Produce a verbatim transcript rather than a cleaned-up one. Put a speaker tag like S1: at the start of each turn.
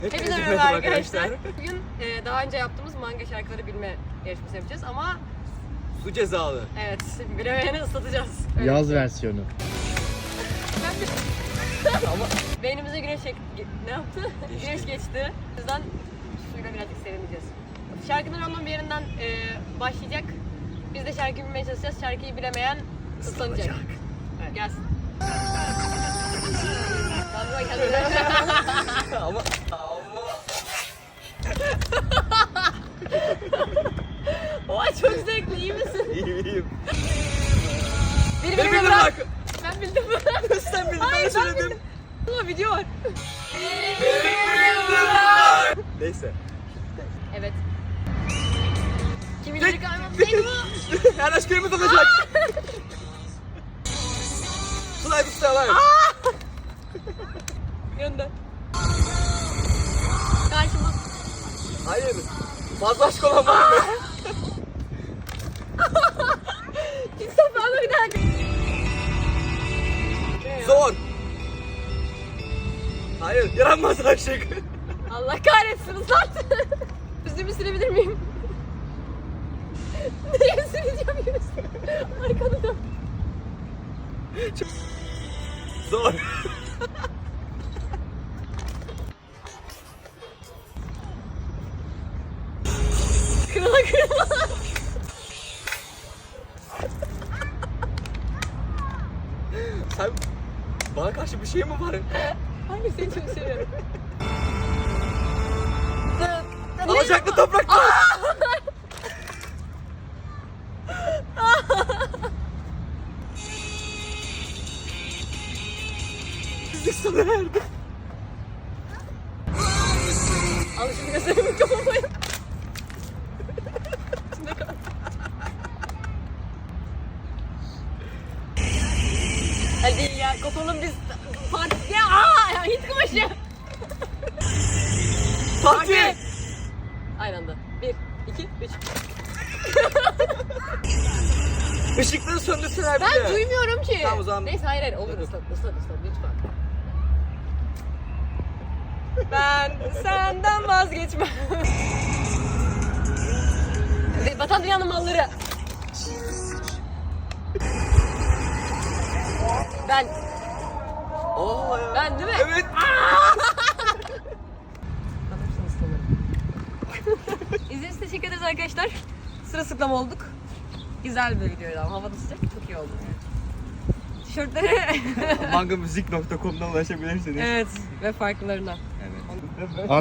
S1: Hepinize merhaba arkadaşlar. Bugün e, daha önce yaptığımız manga şarkıları bilme yarışması yapacağız ama
S2: Su cezalı.
S1: evet, bilemeyeni ıslatacağız. Öyle.
S3: Yaz versiyonu.
S2: Ama
S1: Beynimize güneş çek... ne yaptı?
S2: Geçti.
S1: Güneş geçti. O yüzden suyla birazcık serinleyeceğiz. Şarkının onun bir yerinden e, başlayacak. Biz de şarkıyı bilmeye çalışacağız. Şarkıyı bilemeyen ıslanacak. Evet, gelsin. Tamam, kendine.
S2: ama
S1: Oha çok zevkli, iyi misin?
S2: iyiyim iyiyim.
S1: Biri
S2: Benim
S1: beni
S2: bildim
S1: bırak.
S2: bak.
S1: Ben bildim.
S2: Sen bildin,
S1: Hayır,
S2: ben
S1: ben
S2: söyledim.
S1: bildim. Ama video var.
S2: Neyse.
S1: Evet. Kim bilir kalmam benim o.
S2: Her aşk yerimiz olacak. Slide ustalar.
S1: Gönder. Karşımız.
S2: Hayır. Fazla aşk olan var mı?
S1: İnsan bana bir daha.
S2: Zor. Hayır. Yaranmaz aşık.
S1: Allah kahretsin ıslat. Yüzümü silebilir miyim? Nereye sileceğim yüzümü? Arkanı dön.
S2: Zor.
S1: Kırıla kırıla.
S2: Sen bana karşı bir şey mi var?
S1: Hayır seni çok seviyorum.
S2: Alacaklı toprakta. Bizlik sona erdi.
S1: Alışık gözlerimi kapamaya. İçinde kal. Hadi ya kopalım biz partiye. Aaa ya Hint kumaşı.
S2: Fatih.
S1: Aynı anda. Bir, iki, üç.
S2: Işıkları söndürsünler bir de.
S1: Ben duymuyorum ki.
S2: Tamam, o zaman-
S1: Neyse hayır hayır olur ıslat ıslat ıslat lütfen. Ben senden vazgeçmem. Ve Vatan dünyanın malları. Ben,
S2: Oo ya.
S1: ben değil mi?
S2: Evet.
S1: Ben hepsini ıslanırım. İzlediğiniz için teşekkür ederiz arkadaşlar. Sırılsıklam olduk. Güzel bir videoydu ama havada sıcak çok iyi oldu. Tişörtleri
S2: mangamüzik nokta com'dan ulaşabilirsiniz.
S1: evet ve farklılarına.
S2: Evet.